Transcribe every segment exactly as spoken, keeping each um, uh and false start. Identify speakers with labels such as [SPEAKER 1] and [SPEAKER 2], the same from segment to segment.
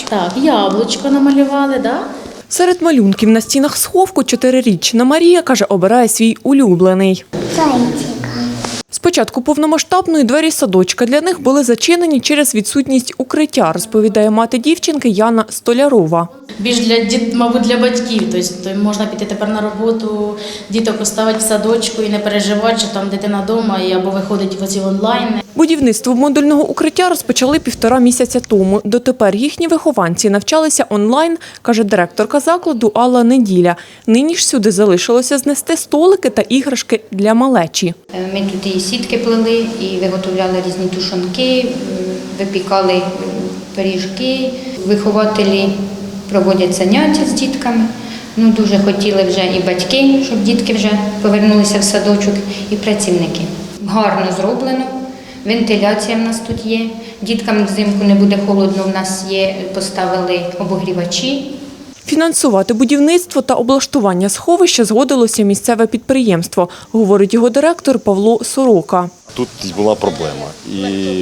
[SPEAKER 1] Так, яблучко намалювали, да?
[SPEAKER 2] Серед малюнків на стінах сховку чотирирічна Марія, каже, обирає свій улюблений.
[SPEAKER 3] Зайчика.
[SPEAKER 2] З початку повномасштабної двері садочка для них були зачинені через відсутність укриття, розповідає мати дівчинки Яна Столярова.
[SPEAKER 1] Більш для діт, мабуть, для батьків. Тобто можна піти тепер на роботу, діток поставити в садочку і не переживати, що там дитина вдома або виходить в оці онлайн.
[SPEAKER 2] Будівництво модульного укриття розпочали півтора місяця тому. Дотепер їхні вихованці навчалися онлайн, каже директорка закладу Алла Неділя. Нині ж сюди залишилося знести столики та іграшки для малечі.
[SPEAKER 4] Ми тут і сітки плели, і виготовляли різні тушонки, випікали пиріжки. Вихователі проводять заняття з дітками. Ну, дуже хотіли вже і батьки, щоб дітки вже повернулися в садочок, і працівники. Гарно зроблено, вентиляція в нас тут є. Діткам взимку не буде холодно, в нас є, поставили обогрівачі.
[SPEAKER 2] Фінансувати будівництво та облаштування сховища згодилося місцеве підприємство, говорить його директор Павло Сорока.
[SPEAKER 5] Тут була проблема. І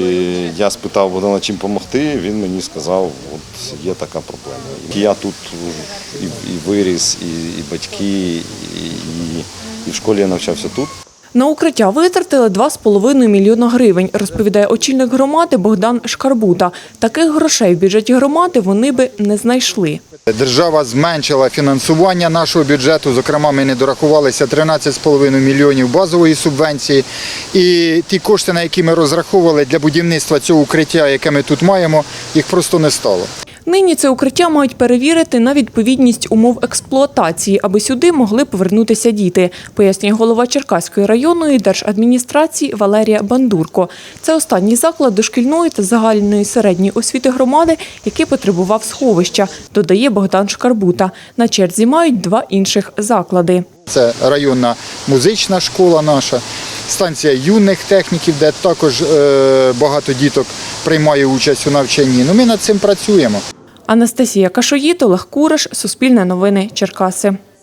[SPEAKER 5] я спитав Богдана, чим допомогти, він мені сказав, от є така проблема. Я тут і, і виріс, і, і батьки, і, і, і в школі я навчався тут.
[SPEAKER 2] На укриття витратили два з половиною мільйона гривень, розповідає очільник громади Богдан Шкарбута. Таких грошей в бюджеті громади вони би не знайшли.
[SPEAKER 6] Держава зменшила фінансування нашого бюджету, зокрема ми не дорахувалися тринадцять з половиною мільйонів базової субвенції. І ті кошти, на які ми розраховували для будівництва цього укриття, яке ми тут маємо, їх просто не стало.
[SPEAKER 2] Нині це укриття мають перевірити на відповідність умов експлуатації, аби сюди могли повернутися діти, пояснює голова Черкаської районної держадміністрації Валерія Бандурко. Це останній заклад дошкільної та загальної середньої освіти громади, який потребував сховища, додає Богдан Шкарбута. На черзі мають два інших заклади.
[SPEAKER 6] Це районна музична школа наша, станція юних техніків, де також е, багато діток приймає участь у навчанні. Ну, ми над цим працюємо.
[SPEAKER 2] Анастасія Кашоїд, Олег Кураш, Суспільне новини, Черкаси.